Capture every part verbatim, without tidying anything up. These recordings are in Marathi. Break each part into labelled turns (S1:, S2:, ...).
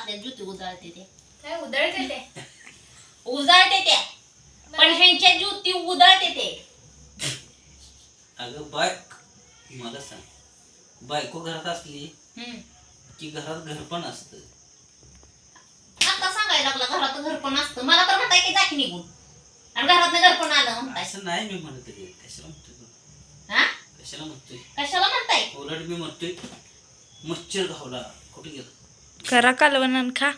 S1: असल्या जुती उजाळते ते
S2: काय उधळते ते
S1: उजाळते त्या पण ह्यांच्या जुती उधळते ते.
S3: अगं बाय मला सांग बायको घरात असली की घरात घर पण असतं.
S1: आता सांगायला लागला घरात घर पण असतं. मला तर म्हणताय की जाकी निघून आणि घरात घर पण आलं म्हणताय.
S3: असं नाही मी म्हणत आहे. कशाला म्हणतोय तू?
S1: हा
S3: कशाला म्हणतोय?
S1: कशाला म्हणताय?
S3: उलट मी म्हणतोय मच्छर घावला कुठे गेला
S4: करा कालवण खा.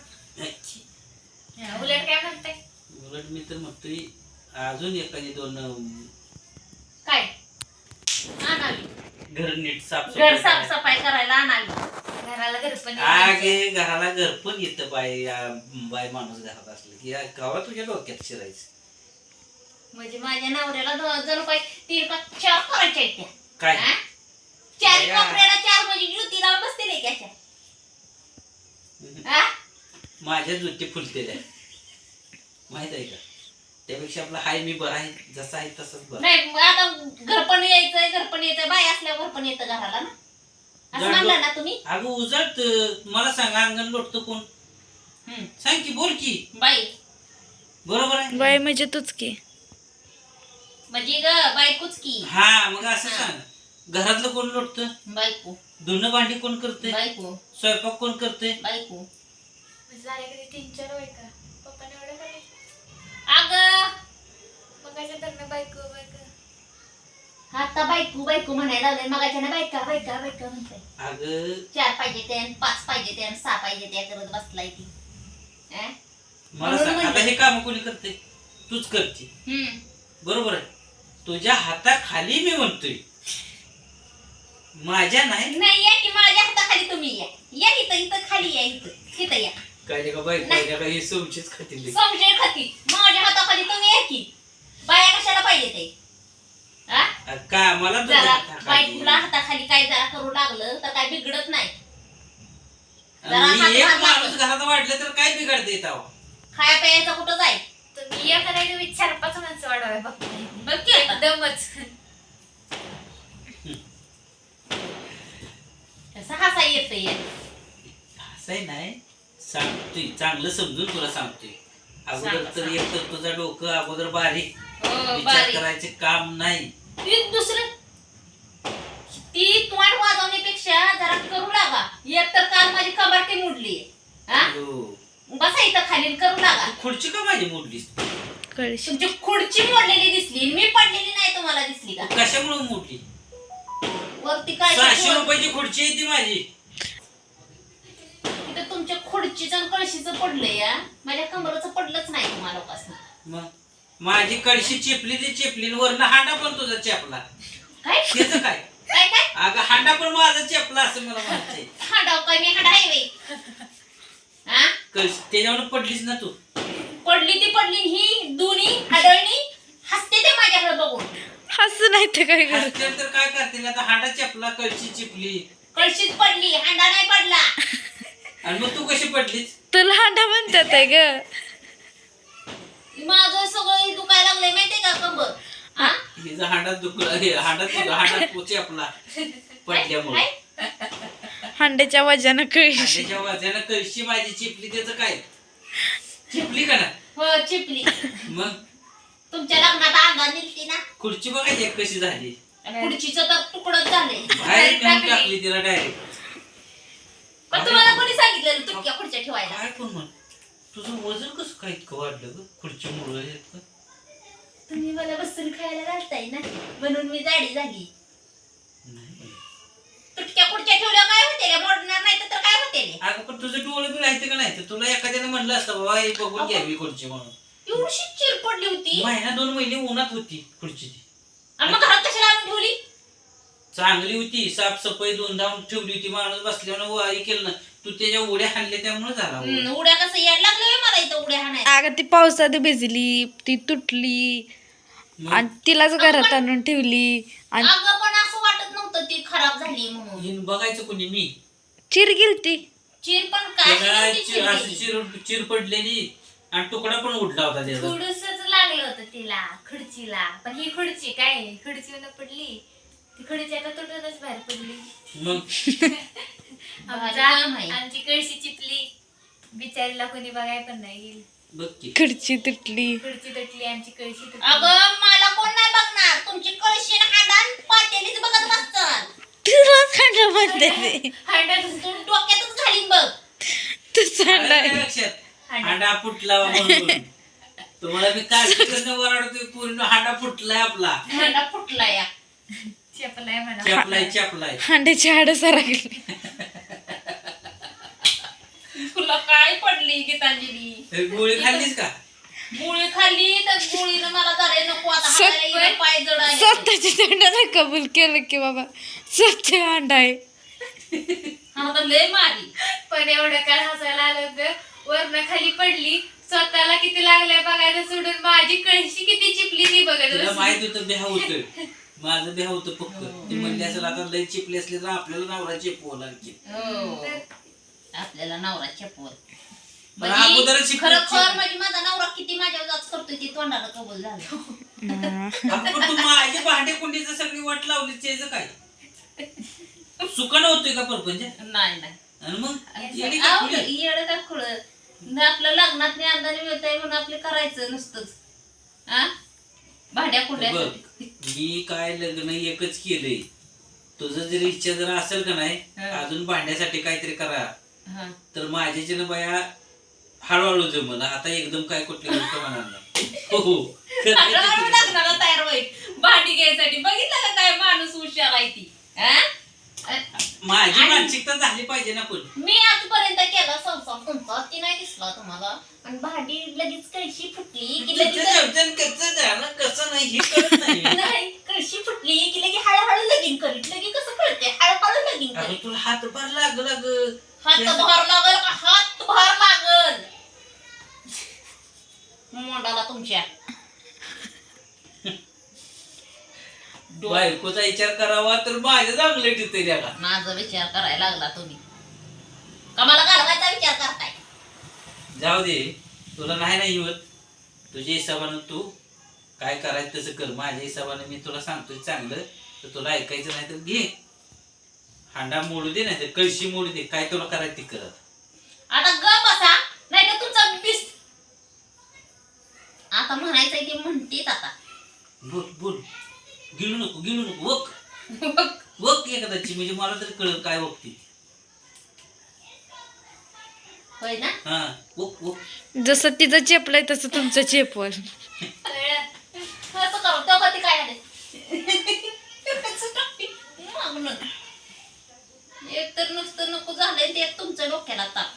S2: उलट काय म्हणताय?
S3: उलट मी तर म्हणतोय अजून एखादी दोन
S1: काय आणावी
S3: घर नीट साफ
S1: घर साफसफाई करायला आणावी.
S2: घराला घर पण
S3: आगे घराला घर पण येतं बाय बाय माणूस घरात असलं की गावा तुझ्या डोक्यात शिरायचं.
S1: म्हणजे माझ्या नवऱ्याला दो- जणू काही तीन का चार करायच्या आहेत त्या.
S3: काय
S1: हा? चार
S3: या.
S1: कोपऱ्याला चार म्हणजे जुती लावून बसतील एकाच्या. हा?
S3: माझ्या जुती फुलतेल्या माहित आहे का? त्यापेक्षा आपला हाय मी बरा आहे जसा आहे तसंच बरं.
S1: नाही मग आता घर पण यायचंय घर पण यायचंय बाय असल्यावर घर पण येतं घराला ना असं
S3: जाणलो.
S1: म्हणलं ना तुम्ही.
S3: अगं उजळत मला सांग अंगण लोटतो कोण?
S1: हम्म.
S3: सांग की बोल की
S1: बाई
S3: बरोबर आहे.
S4: बाय म्हणजे तूच की.
S1: म्हणजे ग बायकोच की.
S3: हा मग असं
S1: हा.
S3: सांग घरातलं कोण लोटतं?
S1: बायको
S3: धुणं भांडी कोण करते?
S1: बायको
S3: स्वयंपाक कोण करते?
S1: बायको.
S2: झाले कधी तीन चार वय का पप्पाने एवढं करायचं
S1: अग
S2: मग अशा धरणं बायको बायको
S1: आता बायको बायको म्हणायला लागले मगाच्या ना बायका बायका बायका म्हणताय.
S3: अगं
S1: चार पाहिजे ते आणि पाच पाहिजे ते आणि सहा पाहिजे त्या करत बसलाय ती. हा?
S3: मला
S1: म्हणून
S3: सांग आता
S1: म्हणलं.
S3: हे काम कोणी करते? तूच करते
S1: हम्म.
S3: बरोबर आहे. तुझ्या हाताखाली मी म्हणतोय माझ्या नाही.
S1: नाही या की माझ्या हाताखाली तुम्ही या या इथं इथं खाली या इथं इथं या.
S3: काय का बाई
S1: नाही.
S3: काय का हे सोमचीच खातील.
S1: समजेल खाती माझ्या हाताखाली तुम्ही या की. बाया कशाला पाहिजे ते? हा?
S3: का मला तुझ्या
S1: जरा
S3: हाताखाली.
S1: बायकोला हाताखाली काय जरा करू लागलं तर काय बिघडत नाही. जरा
S3: आणि
S1: हात
S3: एक
S1: भाग
S3: माणूस
S1: लागलं.
S3: घरात वाढलं तर काय बिघडते येत आहो?
S1: खाया प्यायचं कुठं जाईल?
S2: तुम्ही या करायला मी चार पाच माणसं वाढवाय बघ
S1: बघ की आता.
S2: एकदमच
S1: कसं हसा येतंय.
S3: असंही नाही सांगतोय चांगलं समजून तुला सांगतोय. अगोदर
S1: सांग,
S3: तर
S1: सांग.
S3: एक तर तुझं डोकं अगोदर बारीक
S1: हो,
S3: विचार
S1: बारीक.
S3: करायचे काम नाही.
S1: ती दुसरं ती तोंड वाजवण्यापेक्षा जरा करू लागा. एक तर काल माझी कबाटी मोडली. हा
S3: हो.
S1: बसा इथं खाली करू लागा.
S3: तू खुर्ची का माझी मोडलीस?
S4: कळशी.
S1: तुमची खुर्ची मोडलेली दिसली मी पडलेली नाही तुम्हाला दिसली का?
S3: कशामुळे मोडली?
S1: वरती काय
S3: सहाशे रुपयाची खुर्ची आहे ती माझी.
S1: तिथं तुमच्या खुर्चीचं आणि कळशीचं पडलंय या माझ्या कमराचं पडलंच नाही तुम्हाला उपासना.
S3: मग माझी कळशी चिपली ती चिपली वरनं हांडा पण तुझा चेपला.
S1: काय
S3: त्याचं काय?
S1: काय काय
S3: अगं हांडा पण माझा चेपला असं मला म्हणायचंय.
S1: हाडाव काय मी हाडा आहे बाई. हा
S3: कळशी त्याच्यावर पडलीस ना तू.
S1: पडली ती पडली ही दोन्ही हाडळणी हसते ते माझ्याकडे बघून.
S4: हसू नाही तर काय कर.
S3: हसतील तर काय करतील आता? हांडा चेपला कळशी चिपली
S1: कळशीत पडली हांडा नाही पडला.
S3: आणि मग तू कशी पडलीस?
S4: तुला हांडा म्हणतात आहे ग.
S1: माझं सगळं दुखायला लागलंय माहितीये का कंबर. हा
S3: हिचा हांडा दुखला हे हांडा तुझा हांडा तू चेपला पडल्यामुळे.
S1: काय?
S4: हांड्याच्या वजानं कळशी.
S3: हांड्याच्या वाजानं कळशी माझी चिपली त्याचं काय? चिपली का ना?
S1: हो चिपली.
S3: मग
S1: तुमच्या लग्नात अंगात निघती ना
S3: खुर्ची बघायची एक कशी झाली.
S1: खुर्चीचं तर तुकडच झालंय.
S3: बाहेर नेऊन टाकली तिला डायरेक्ट.
S1: पण तुम्हाला कोणी सांगितलं तुटक्या खुर्च्या ठेवायला?
S3: काय पण म्हण तुझं वजन कसं काय इतकं वाढलं ग खुर्चीमुळे?
S1: तुम्ही मला बसून खायला घालताय ना म्हणून मी जाडी झाली. तुटक्या खुर्च्या ठेवल्या काय होते मोडणार नाही तर काय होते?
S3: अगं पण तुझं डोळं बी राहते का नाही? तर तुला एखाद्याने म्हणलं असतं बाबा हे बघून घ्यावी खुर्ची म्हणून.
S1: एवढी चिर पडली होती
S3: महिना दोन महिने उन्हात होती खुर्ची ती.
S1: आणि मग घरात कशाला आणून ठेवली?
S3: चांगली होती साफसफाई दोन धावून ठेवली होती. माणूस बसल्यावर वारी केलं ना तू त्याच्या उड्या हाणल्या त्यामुळे झाला.
S1: हम्म, उड्या कसं याड लागलं होय मला इथं उड्या हाणायला.
S4: अगं ती पावसात भिजली ती तुटली आणि तिलाच घरात आणून ठेवली आणि
S1: अगं पण असं वाटत नव्हतं ती खराब झाली म्हणून.
S3: हिन बघायचं कोणी? मी
S4: चिर गेलती.
S1: चिर पण काय
S3: त्याला
S1: नव्हती
S3: चिर असं
S1: चिरलेली.
S3: चिर चिर पडलेली आणि तुकडा पण उडला होता त्याचा.
S2: थोडसच लागलं होतं तिला खुर्चीला पण ही खुर्ची काय खुर्चीवर पडली ती खुर्ची आता तुटूनच बाहेर पडली.
S3: मग
S2: आमचा
S1: भारी काम आहे.
S2: आमची कळशी चिपली बिचारीला कोणी बघाय पण नाही गेली.
S3: बघ की
S4: खडची तुटली.
S2: खुर्ची तुटली, आमची कळशी तुटली.
S1: अगं मला कोण नाही बघणार, तुमची कळशी आणि हाडान पातेलीच बघत बसतात.
S4: तुलाच हांडा म्हणते ते.
S2: हांडा
S1: तू डोक्यातच घालीन बघ.
S4: तूच
S3: आलं
S4: हांडा
S3: काय
S4: आहे.
S3: लक्षात हांडा फुटला म्हणून तुम्हाला मी काळजी करणं वराडतोय पूर्ण हांडा फुटलाय आपला
S1: हाडा फुटला या.
S2: चपलाय म्हणा.
S3: चपलाय चपलाय
S4: हांड्याची हाडं सरकली.
S1: तुला काय पडली गीतांजली?
S3: गोळी खाल्लीस का
S1: गोळी खाल्ली तर गोळीनं मला जरा नको आता
S4: सत्य-
S1: हाताला येणं, पाय जड आले.
S4: स्वतःच्या तोंडाने कबूल केलं की बाबा स्वच्छ हांडा आहे.
S1: हा तर लय मारी.
S2: पण एवढं काल हसायला आलं होतं. वरनं खाली पडली, स्वतःला किती लागल्या बघायला सोडून माझी कळशी किती चिपली ती बघत
S3: तिला
S2: बसली.
S3: माहित होतं बेहा होतं माझं बेहा होतं पक्क ती म्हणली असेल आता लय चिपली असले तर आपल्याला नवरा चिपवं लागते
S1: हो. आपल्याला नवरा चपवल
S3: पण अगोदरच शिकली-
S1: खरं खर म्हणजे माझा नवरा किती माझ्यावर जाच करतोय ती तोंडाला कबूल झालं.
S3: अगं पण तू माझी भांडे कुंडीचं सगळी वाट लावली त्याचं काय सुकन होतोय का परपंच
S1: नाही नाही
S3: आणि मग येडी का
S1: आव,
S3: खुली?
S1: येडं का खुळं. न आपलं लग्नात नाही अंदाने मिळतंय म्हणून आपले करायचं नुसतंच. हा भाड्या कुंड्या
S3: बघ मी काय लग्न एकच केलंय तुझं जर इच्छा जर असेल का नाही
S1: हा.
S3: अजून भांड्यासाठी काहीतरी करा
S1: हा.
S3: तर माझ्याची ना बाया हळूहळू जमल आता एकदम काय कुठली गोष्ट म्हणणार नाही हो हो
S1: हळूहळू लग्नाला तयार होईल भांडी घ्यायसाठी. बघितलं का काय माणूस हुशार आहे ती. हा?
S3: माझी
S1: आणि-
S3: मानसिकता झाली पाहिजे ना पण
S1: मी आजपर्यंत केला संसार तुमचा, ती नाही दिसला तुम्हाला. आणि भांडी लगेच कळशी फुटली की
S3: तुझं
S1: लगेच
S3: जेवण कसं झालं कसं नाही हे कळत नाही
S1: नाही, कळशी फुटली की लगे हळूहळू लगीन करीत. लगे कसं कळते हळूहळू लगीन
S3: अगं
S1: करीत.
S3: तुला हातभार लाग लाग
S1: हात भार लागल का हात भार लागल मोंडाला तुमच्या.
S3: बायकोचा विचार करावा तर माझ्या चांगलं तिथे का
S1: माझा विचार करायला लागला तुम्ही. का मला घालवायचा विचार करताय?
S3: जाऊ दे तुला नाही नाही होत तुझ्या हिशोबानं तू काय करायचं तसं कर माझ्या हिशोबानं मी तुला सांगतोय चांगलं तर तुला ऐकायचं नाही तर घे हांडा मोडू दे नाही तर कळशी मोडू दे काय तुला करायचं ते करत
S1: आता ग बसा नाही तर तुमचा बिस आता म्हणायचंय ते म्हणतेच आता.
S3: बोल बोल गिळू नको गिळू नको वक वक एखाद्याची म्हणजे मला तरी कळत काय वकती
S1: होय ना.
S3: हा वक वक
S4: जसं तिचं चेपलंय तसं तुमचं चेपवल.
S2: कळलं?
S1: असं करू तेव्हा ते काय आले मागणं. एक तर नुसतं नको झालंय ते तुमच्या डोक्याला ताप.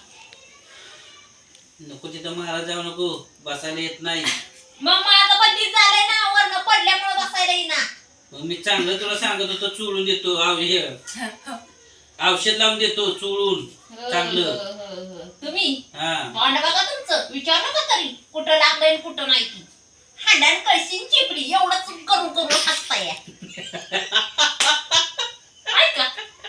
S3: नको तिथं महाराज जाऊ नको बसायला येत नाही
S1: मग माझं पण तीच झालंय ना वरनं पडल्यामुळे बसायला येईना.
S3: मग मी चांगलं तुला सांगत होतो चोळून देतो आव- हे औषध लावून देतो चोळून चांगलं
S1: तुम्ही
S3: हा
S1: तोंड बघा तुमचं विचार नका तरी कुठं लागलंय आणि कुठं नाही ती. हांड्यान कळशीन चिपडी एवढंच करून करून हसताय. ऐका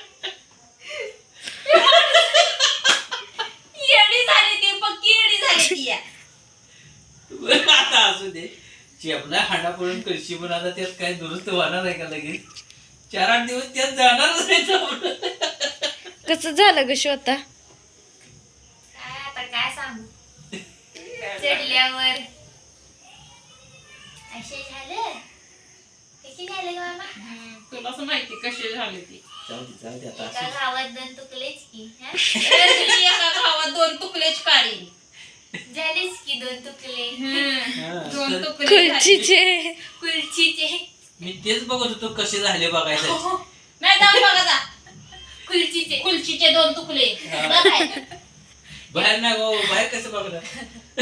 S1: येडी झाली ती पक्की येडी झाली ती या.
S3: बरं, आता असू दे आपला हांडा पडून कळशी पण आता त्यात काय दुरुस्त होणार आहे का लगेच चार आठ दिवस त्यात जाणारच नाही तो.
S4: कसं झालं ग श्वेता?
S2: काय आता काय सांगू चढल्यावर असे झालं कशी झालं ग मामा?
S1: तुलाच माहिती कशी झाली ती.
S3: जाऊ दे जाऊ दे आता
S2: एका
S3: असू दे.
S2: गावात दोन तुकलेच की हा?
S1: एका गावात दोन तुकलेच काढी.
S2: झालीच की दोन तुकले
S3: हा,
S1: दोन
S3: तर
S1: तुकडे झाले.
S4: खुर्चीचे
S2: खुर्चीचे
S3: मी तेच बघत होतो कसे झाले बघायचं
S1: नाही जाऊन बघा जा.
S2: खुर्चीचे
S1: कुलचीचे दोन तुकडे
S3: हा.
S1: बघाय.
S3: बाहेर नाही भाऊ बाहेर कसं बघणार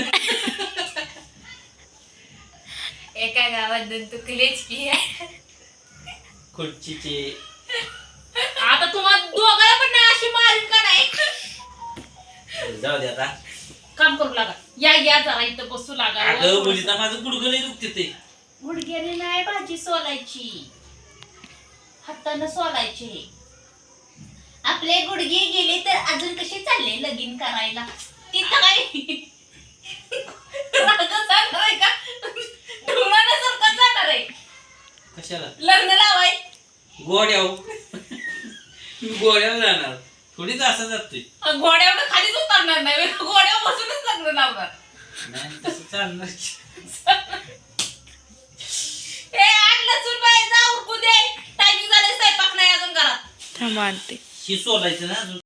S2: एका गावात दोन तुकलेच की
S3: खुर्चीचे
S1: आता तुम्हाला दोघांना पण नाही अशी मारीन का नाही.
S3: जाऊ दे आता
S1: काम करू लागा. या या जरा इथं बसू लागा.
S3: अगं मुलीचा माझं गुडघं लय दुखते ते
S1: गुडघ्याने नाही भाजी सोलायची हातानं सोलायची. आपले गुडघे गेले तर अजून कसे चालले लगीन करायला. तिथं काय राग जाणार आहे का ढोळाण्यासारखं जाणार आहे
S3: कशाला
S1: लग्न लावाय.
S3: गोड्याव गोड्यावर जाणार थोडीच असं जातोय
S1: घोड्यावर खालीच उतरणार नाही घोड्यावर
S2: लावणार.
S3: नाही तसं चालणार.
S1: ए आठ लसूण बाई जा उरकू दे. टायमिंग झाले स्वयंपाक नाही अजून घरात.
S4: थांबा आणते.
S3: ही सोलायचं ना अजून